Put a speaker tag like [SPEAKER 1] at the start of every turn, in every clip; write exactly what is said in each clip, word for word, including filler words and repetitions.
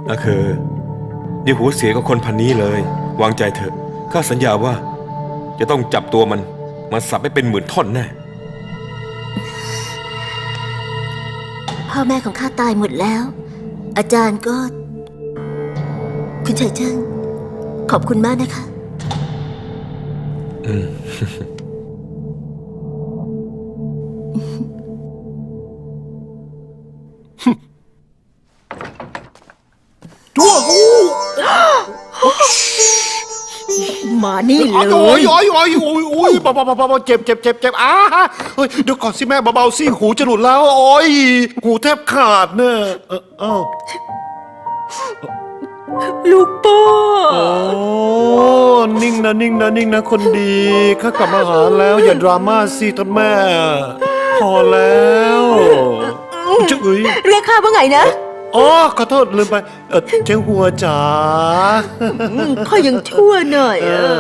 [SPEAKER 1] นะคือเดี๋ยวหัวเสียกับคนพันนี้เลยวางใจเถอะข้าสัญญาว่าจะต้องจับตัวมันมาสับให้เป็นหมื่นท่อนแน่
[SPEAKER 2] พ่อแม่ของข้าตายหมดแล้วอาจารย์ก็คุณเฉยเจิ้งขอบคุณมากนะคะ
[SPEAKER 1] อืม
[SPEAKER 3] ชั่วกู
[SPEAKER 2] มานี่เลย
[SPEAKER 3] โอ้ยโอ้ยโอ้ยโอ้ยโอ้ยเบาเบาเบาเบาเจ็บเจ็บเจ็บเจ็บอ้าเฮ้ยเดี๋ยวก่อนสิแม่เบาๆสิหูจะหลุดแล้วโอ้ยหูแทบขาดเนี่ยเออเอ้า
[SPEAKER 2] ลูกป้า
[SPEAKER 3] โอ้นิ่งนะนิ่งนะนิ่งนะคนดีข้ากลับมาหาแล้วอย่าดราม่าสิท่านแม่พอแล้วจุ๊ย
[SPEAKER 2] เรียกข้าว่าไงนะ
[SPEAKER 3] อ๋อขอโทษลืมไปเออเจ้าหัวจ๋า
[SPEAKER 2] ข้ายังชั่วหน่อยเออ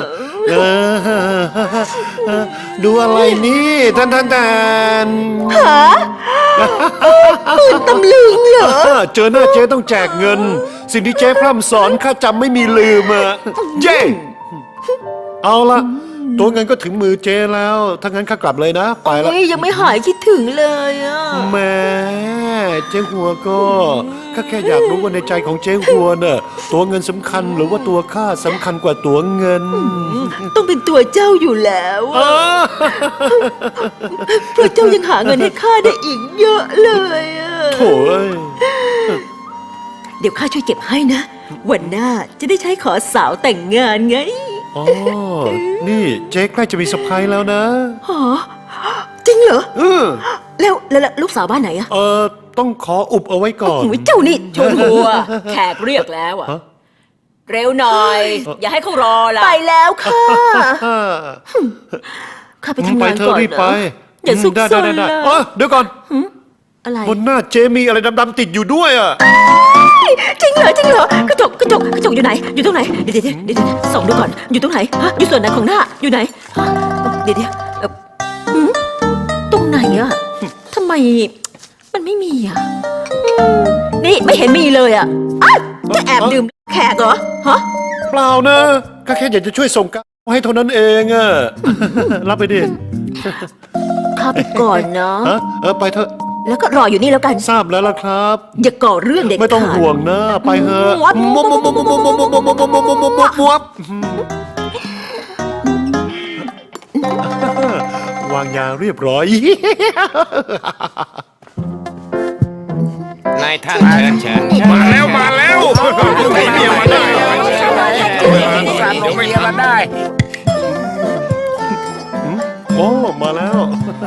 [SPEAKER 3] ดูอะไรนี่ท่านท่านท่าน
[SPEAKER 2] หาปืนตำลึงเหรอ
[SPEAKER 3] เจอหน้าเจ๊ต้องแจกเงินสิ่งที่เจ๊พร่ำสอนข้าจำไม่มีลืมอ่ะเจ๊เอาละตัวเงินก็ถึงมือเจ๊แล้วถ้างั้นข้ากลับเลยนะไปแล้ว
[SPEAKER 2] ยังไม่หายคิดถึงเลยอ่ะ
[SPEAKER 3] แม่เจ๊หัวก็ข้าแค่อยากรู้ว่าในใจของเจ๊หัวน่ะตัวเงินสำคัญหรือว่าตัวข้าสำคัญกว่าตัวเงิน
[SPEAKER 2] ต้องเป็นตัวเจ้าอยู่แล้วเพราะเจ้ายังหาเงินให้ข้าได้อีกเยอะเลยอ่ะ
[SPEAKER 3] โถ่
[SPEAKER 2] เดี๋ยวข้าช่วยเก็บให้นะวันหน้าจะได้ใช้ขอสาวแต่งงานไง
[SPEAKER 3] อ๋อนี่เจ๊ใกล้จะมีเซอร์ไพรส์แล้วนะ
[SPEAKER 2] ฮะจริงเหรอ
[SPEAKER 3] เออ
[SPEAKER 2] แล้วแล้วลูกสาวบ้านไหนอะ
[SPEAKER 3] เออต้องขออุบเอาไว้ก่อน
[SPEAKER 2] เจ้านี่ชวนหัวแขกเรียกแล้วอะเร็วหน่อยอย่าให้เขารอละไปแล้วค่ะข้าไปทำงานก่อน
[SPEAKER 3] เนอะ
[SPEAKER 2] อย่าซุกซน
[SPEAKER 3] เลยเดี๋ยวก่อน
[SPEAKER 2] อะไร
[SPEAKER 3] บนหน้าเจ๊มีอะไรดำๆติดอยู่ด้วยอะ
[SPEAKER 2] จริงเหรอจริงเหรอกระจกกระจกกระจกอยู่ไหนอยู่ตรงไหนเดี๋ยวเดี๋ยวเดี๋ยวส่องดูก่อนอยู่ตรงไหนฮะอยู่ส่วนไหนของหน้าอยู่ไหนเดี๋ยวเดี๋ยวตรงไหนอะทำไมมันไม่มีอะนี่ไม่เห็นมีเลยอะจะแอบดื่มแขกเหรอฮะ
[SPEAKER 3] เปล่านะก็แค่อยากจะช่วยส่งกาให้เท่านั้นเองอะรับไปดิ
[SPEAKER 2] ข้าไปก่อนเนาะ
[SPEAKER 3] เออไปเถอะ
[SPEAKER 2] แล้วก็รออยู่นี่แล้วกัน
[SPEAKER 3] ทราบแล้วล่ะครับ
[SPEAKER 2] อย่าก่อเรื่องเด็กขาด
[SPEAKER 3] ไม่ต้องห่วงนะไปเถอะมวบมวบมวบมวบมวบมวบมวบมวบมวบมวบมวบมวบมวบวางยาเรียบร้อย
[SPEAKER 4] นายท่านเชิญเชิญมาแล้วมาแล้วไม่เมียมาได้เดี๋ยวไม่ทันได้
[SPEAKER 3] โอ้มาแล้ว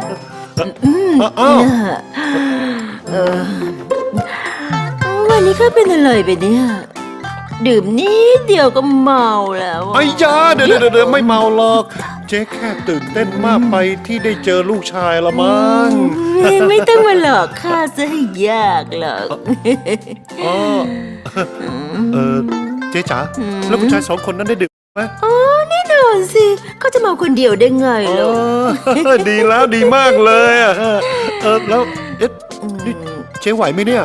[SPEAKER 2] วันนี้ข้าเป็นอะไรไปเนี่ยดื่มนิดเดียวก็เมาแล้ว
[SPEAKER 3] ไอ้ยาเดี๋ยวเดี๋ยวไม่เมาหรอกเจ๊แค่ตื่นเต้นมากไปที่ได้เจอลูกชายละมั้ง
[SPEAKER 2] ไม่ต้องมาหลอกข้าซะให้ยากหรอก
[SPEAKER 3] อ๋อเออเจ๊จ๋าแล้วผู้ชายสองคนนั้นได้ดื่มไหม
[SPEAKER 2] อ๋อแน่นอนสิเขาจะเมาคนเดียวได้ไงล่ะ
[SPEAKER 3] ดีแล้วดีมากเลยอ่ะเออแล้วเอ๊ะนี่เจ๊ไหวไหมเนี่ย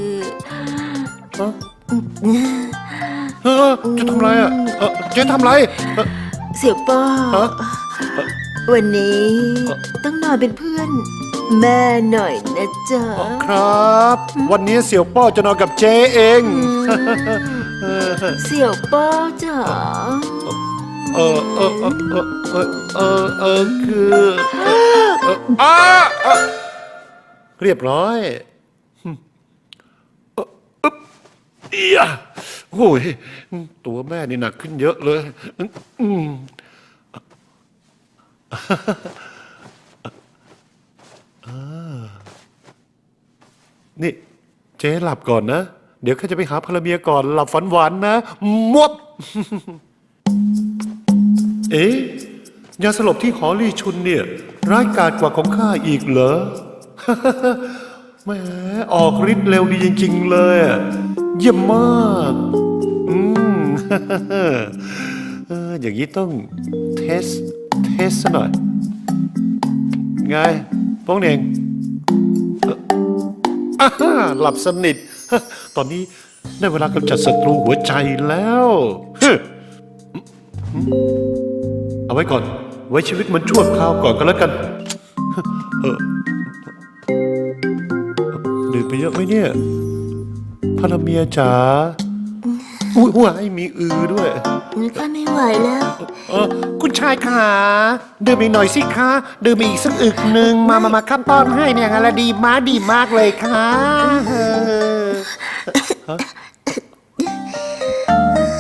[SPEAKER 3] เออจะทำไรอ่ะเออเจ๊ทำไร
[SPEAKER 2] เสี่ยวป้อวันนี้ต้องนอนเป็นเพื่อนแม่หน่อยนะจ๊ะ
[SPEAKER 3] ครับวันนี้เสี่ยวป้อจะนอนกับเจ๊เอง
[SPEAKER 2] เสี่ยวป้อจ๋า
[SPEAKER 3] เออเออเออเออเออเออเออคืออ่าเรียบร้อยเอียโอ้ยตัวแม่นี่หนักขึ้นเยอะเลยนี่เจ๊หลับก่อนนะเดี๋ยวข้าจะไปหาภรรยาก่อนหลับฝันหวานนะมวบเอ๊ะยาสลบที่หอลี่ชุนเนี่ยร้ายกาจกว่าของข้าอีกเหรอแหมออกฤทธิ์เร็วดีจริงๆเลยเยี่ยมมากอืมเอออย่างนี้ต้องเทสเทสซะหน่อยไงป้องเน่งหลับสนิทตอนนี้ได้เวลากำจัดศัตรูหัวใจแล้วฮึเอาไว้ก่อน ไว้ชีวิตมันชั่วคราวก่อนก็แล้วกันเออดื่มไปเยอะไหมเนี่ยพระเมียจ๋าอุ้ยหัวให้มีอือด้วย
[SPEAKER 2] ข้าไม่ไหวแล้ว
[SPEAKER 3] เออคุณชายขาดื่มอีกหน่อยสิคะดื่มอีกสักอึกหนึ่งมามามาข้าป้อนให้เนี่ยงานละดีมากดีมากเลยค่ะเออฮะ